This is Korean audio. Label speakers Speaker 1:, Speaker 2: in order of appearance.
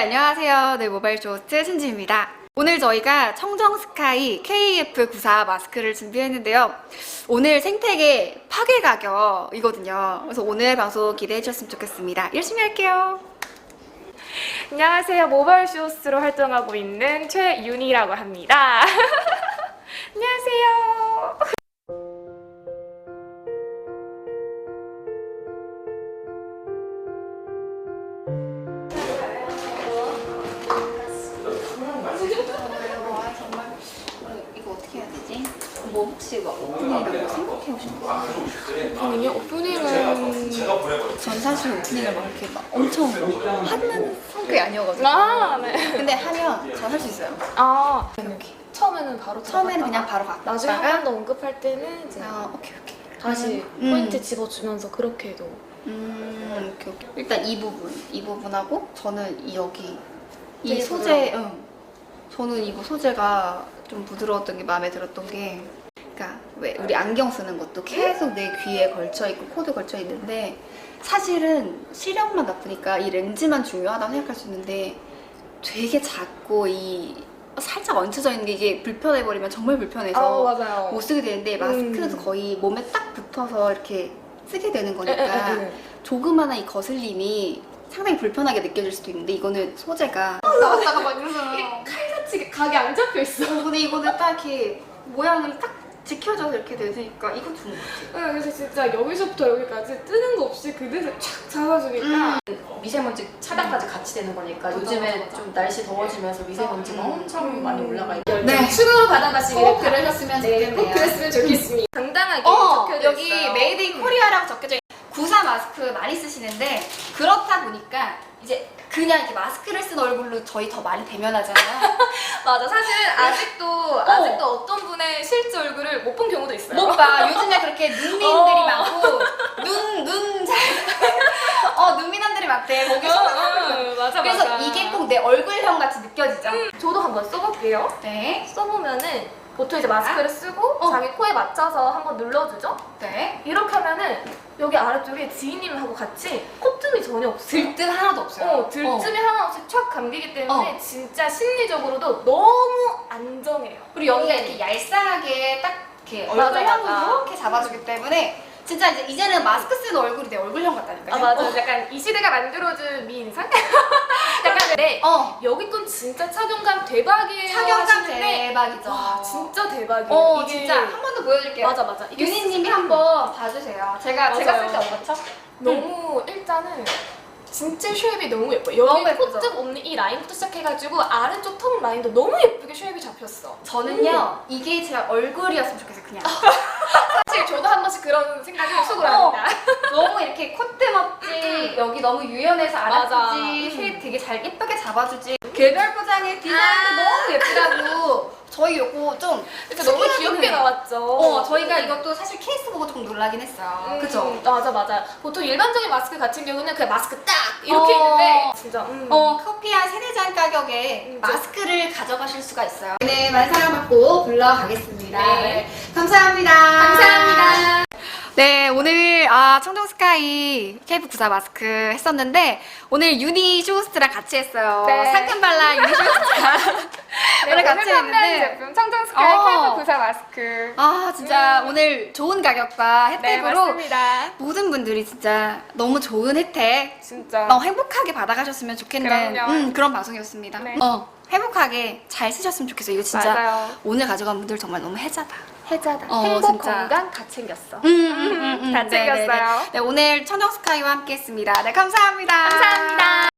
Speaker 1: 안녕하세요. 네, 모바일 쇼호스트 신지입니다. 오늘 저희가 청정스카이 KF94 마스크를 준비했는데요. 오늘 생태계 파괴 가격이거든요. 그래서 오늘 방송 기대해 주셨으면 좋겠습니다. 열심히 할게요.
Speaker 2: 안녕하세요. 모바일 쇼호스트로 활동하고 있는 최윤희라고 합니다. 안녕하세요.
Speaker 1: 이거 어떻게 해야 되지? 뭐 혹시 오프닝이라고 생각해 오신 거
Speaker 2: 오프닝이요? 오프닝은
Speaker 1: 전 사실 오프닝을 막 이렇게 막 엄청 하는 성격이 아니어가지고
Speaker 2: 네.
Speaker 1: 근데 하면 전 할 수 있어요.
Speaker 2: 이렇게 처음에는 바로
Speaker 1: 처음에는 그냥 바로 갔다가
Speaker 2: 나중에 한 번 더 언급할 때는 이제
Speaker 1: 오케이
Speaker 2: 다시 포인트 집어주면서 그렇게 해도
Speaker 1: 오케이. 일단 이 부분하고 저는 여기 이
Speaker 2: 되게
Speaker 1: 소재 저는 이거 소재가 좀 부드러웠던 게 마음에 들었던 게 그러니까 왜 우리 안경 쓰는 것도 계속 내 귀에 걸쳐 있고 코도 걸쳐 있는데 사실은 시력만 나쁘니까 이 렌즈만 중요하다고 생각할 수 있는데 되게 작고 이 살짝 얹혀져 있는 게 이게 불편해 버리면 정말 불편해서
Speaker 2: 맞아요.
Speaker 1: 못 쓰게 되는데 마스크는 거의 몸에 딱 붙어서 이렇게 쓰게 되는 거니까 조그마한 이 거슬림이 상당히 불편하게 느껴질 수도 있는데 이거는 소재가 나왔다가 막 이러잖아요.
Speaker 2: 칼같이 각이 안 잡혀 있어.
Speaker 1: 근데 이거는 딱 이렇게 모양이 딱 지켜져서 이렇게 되니까 이거 좋은 것 같아요.
Speaker 2: 그래서 진짜 여기서부터 여기까지 뜨는 거 없이 그대로 촥 잡아주니까
Speaker 3: 미세먼지 차단까지 같이 되는 거니까 요즘에 좀 날씨 더워지면서 미세먼지가 엄청 많이 올라가 있고
Speaker 1: 네.
Speaker 3: 수능을 받아가시기를
Speaker 1: 꼭 그러셨으면 좋겠네요.
Speaker 2: 꼭 그랬으면 좋겠습니다. 당당하게 적혀져
Speaker 1: 여기
Speaker 2: 있어요.
Speaker 1: 메이드 인 코리아라고 적혀져 있어요. 94 마스크 많이 쓰시는데 그렇다 보니까 이제 그냥 이렇게 마스크를 쓴 얼굴로 저희 더 많이 대면하잖아요.
Speaker 2: 맞아. 사실은 아직도 어떤 분의 실제 얼굴을 못 본 경우도 있어요.
Speaker 1: 못 봐. 요즘에 그렇게 눈미남들이 많고 눈미남들이 많대. 거기
Speaker 2: 맞아.
Speaker 1: 그래서 이게 꼭 내 얼굴형 같이 느껴지죠.
Speaker 2: 저도 한번 써볼게요.
Speaker 1: 네.
Speaker 2: 써보면은 보통 이제 마스크를 쓰고 자기 코에 맞춰서 한번 눌러주죠?
Speaker 1: 네.
Speaker 2: 이렇게 하면은 여기 아래쪽에 지인님하고 같이 콧등이 전혀 없어요.
Speaker 1: 들뜬 하나도 없어요.
Speaker 2: 들뜸이 하나 없이 촥 감기기 때문에 진짜 심리적으로도 너무 안정해요.
Speaker 1: 그리고 여기가 이렇게 얄쌍하게 딱 이렇게
Speaker 2: 맞아,
Speaker 1: 얼굴형으로
Speaker 2: 맞아.
Speaker 1: 이렇게 잡아주기 때문에 진짜 이제는 마스크 쓰는 얼굴이 내 얼굴형 같다니까요.
Speaker 2: 맞아. 약간 이 시대가 만들어준 미인상? 약간 근데 여기 건 진짜 착용감 대박이에요.
Speaker 1: 착용감
Speaker 2: 하시는데
Speaker 1: 대박이죠.
Speaker 2: 와, 진짜 대박이에요. 이게
Speaker 1: 진짜 한 번 더 보여드릴게요.
Speaker 2: 맞아. 이게
Speaker 1: 윤희님이 한번 봐주세요. 제가 쓸 때
Speaker 2: 맞아요.
Speaker 1: 어떻죠?
Speaker 2: 너무 일단은 진짜 쉐입이 너무 예뻐요.
Speaker 1: 너무
Speaker 2: 여기
Speaker 1: 예쁘죠?
Speaker 2: 콧등 없는 이 라인부터 시작해가지고 아래쪽 턱 라인도 너무 예쁘게 쉐입이 잡혔어.
Speaker 1: 저는요 이게 제 얼굴이었으면 좋겠어요. 그냥
Speaker 2: 사실 저도 한 번씩 그런 생각을 속으로 합니다.
Speaker 1: 너무 이렇게 콧대 없지 여기 너무 유연해서
Speaker 2: 맞아.
Speaker 1: 알아주지 쉐입 되게 잘 예쁘게 잡아주지 개별 포장의 디자인도 너무 예쁘다고 저희 요거 좀
Speaker 2: 진짜 너무
Speaker 1: 특이하긴
Speaker 2: 귀엽게
Speaker 1: 해요.
Speaker 2: 나왔죠.
Speaker 1: 저희가 이것도 사실 케이스 보고 조금 놀라긴 했어요. 그쵸?
Speaker 2: 맞아. 보통 일반적인 마스크 같은 경우는 그냥 마스크 딱 이렇게 있는데 진짜
Speaker 1: 커피 한 3-4잔 가격에 마스크를 가져가실 수가 있어요. 네, 만사랑 받고 불러가겠습니다.
Speaker 2: 네.
Speaker 1: 감사합니다.
Speaker 2: 감사합니다.
Speaker 1: 네, 오늘 청정스카이 KF94 마스크 했었는데 오늘 유니 쇼호스트랑 같이 했어요.
Speaker 2: 네.
Speaker 1: 상큼발랄 유니 쇼호스트랑 오늘 같이 했는데
Speaker 2: 제품 청정스카이 KF94 마스크.
Speaker 1: 진짜 오늘 좋은 가격과
Speaker 2: 네,
Speaker 1: 혜택으로
Speaker 2: 맞습니다.
Speaker 1: 모든 분들이 진짜 너무 좋은 혜택
Speaker 2: 진짜.
Speaker 1: 행복하게 받아가셨으면 좋겠는
Speaker 2: 그럼요.
Speaker 1: 그런 방송이었습니다.
Speaker 2: 네.
Speaker 1: 행복하게 잘 쓰셨으면 좋겠어요. 이거 진짜
Speaker 2: 맞아요.
Speaker 1: 오늘 가져간 분들 정말 너무 혜자다.
Speaker 2: 해자다.
Speaker 1: 행복,
Speaker 2: 건강 다 챙겼어.
Speaker 1: 다
Speaker 2: 챙겼어요.
Speaker 1: 네, 오늘 청정스카이와 함께 했습니다. 네, 감사합니다.
Speaker 2: 감사합니다.